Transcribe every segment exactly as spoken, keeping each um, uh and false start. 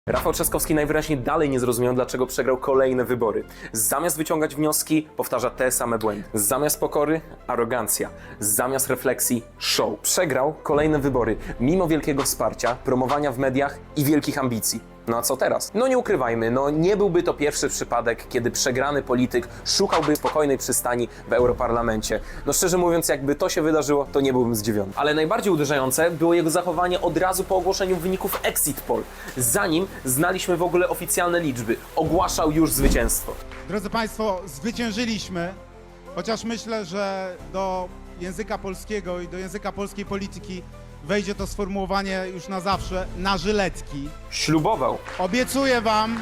Rafał Trzaskowski najwyraźniej dalej nie zrozumiał, dlaczego przegrał kolejne wybory. Zamiast wyciągać wnioski, powtarza te same błędy. Zamiast pokory, arogancja. Zamiast refleksji, show. Przegrał kolejne wybory, mimo wielkiego wsparcia, promowania w mediach i wielkich ambicji. No a co teraz? No nie ukrywajmy, no nie byłby to pierwszy przypadek, kiedy przegrany polityk szukałby spokojnej przystani w Europarlamencie. No szczerze mówiąc, jakby to się wydarzyło, to nie byłbym zdziwiony. Ale najbardziej uderzające było jego zachowanie od razu po ogłoszeniu wyników Exit Poll. Zanim znaliśmy w ogóle oficjalne liczby, ogłaszał już zwycięstwo. Drodzy Państwo, zwyciężyliśmy, chociaż myślę, że do języka polskiego i do języka polskiej polityki wejdzie to sformułowanie już na zawsze, na żyletki. Ślubował. Obiecuję Wam,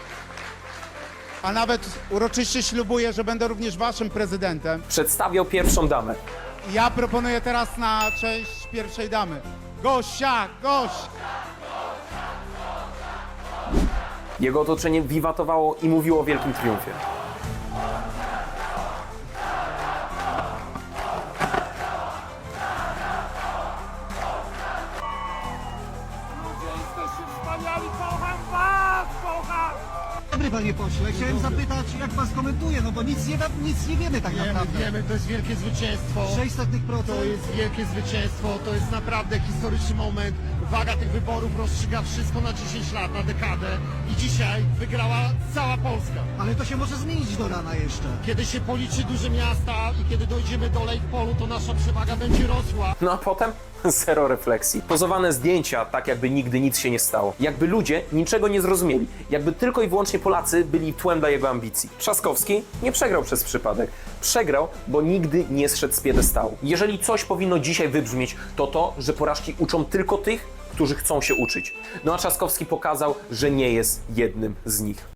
a nawet uroczyście ślubuję, że będę również Waszym prezydentem. Przedstawiał pierwszą damę. Ja proponuję teraz na cześć pierwszej damy. Gosia, Gosia! Jego otoczenie wiwatowało i mówiło o wielkim triumfie. Jesteście wspaniali, kocham was, kocham! Dobry panie pośle, chciałem zapytać, jak pan skomentuje, no bo nic nie, nic nie wiemy tak Wiemy, naprawdę. wiemy, to jest wielkie zwycięstwo. sześćset procent. To jest wielkie zwycięstwo, to jest naprawdę historyczny moment. Waga tych wyborów rozstrzyga wszystko na dziesięć lat, na dekadę. I dzisiaj wygrała cała Polska. Ale to się może zmienić do rana jeszcze. Kiedy się policzy duże miasta i kiedy dojdziemy do Lake Polu, to nasza przewaga będzie rosła. No a potem zero refleksji. Pozowane zdjęcia, tak jakby nigdy nic się nie stało. Jakby ludzie niczego nie zrozumieli. Jakby tylko i wyłącznie Polacy byli tłem dla jego ambicji. Trzaskowski nie przegrał przez przypadek. Przegrał, bo nigdy nie zszedł z piedestału. Jeżeli coś powinno dzisiaj wybrzmieć, to to, że porażki uczą tylko tych, którzy chcą się uczyć. No a Trzaskowski pokazał, że nie jest jednym z nich.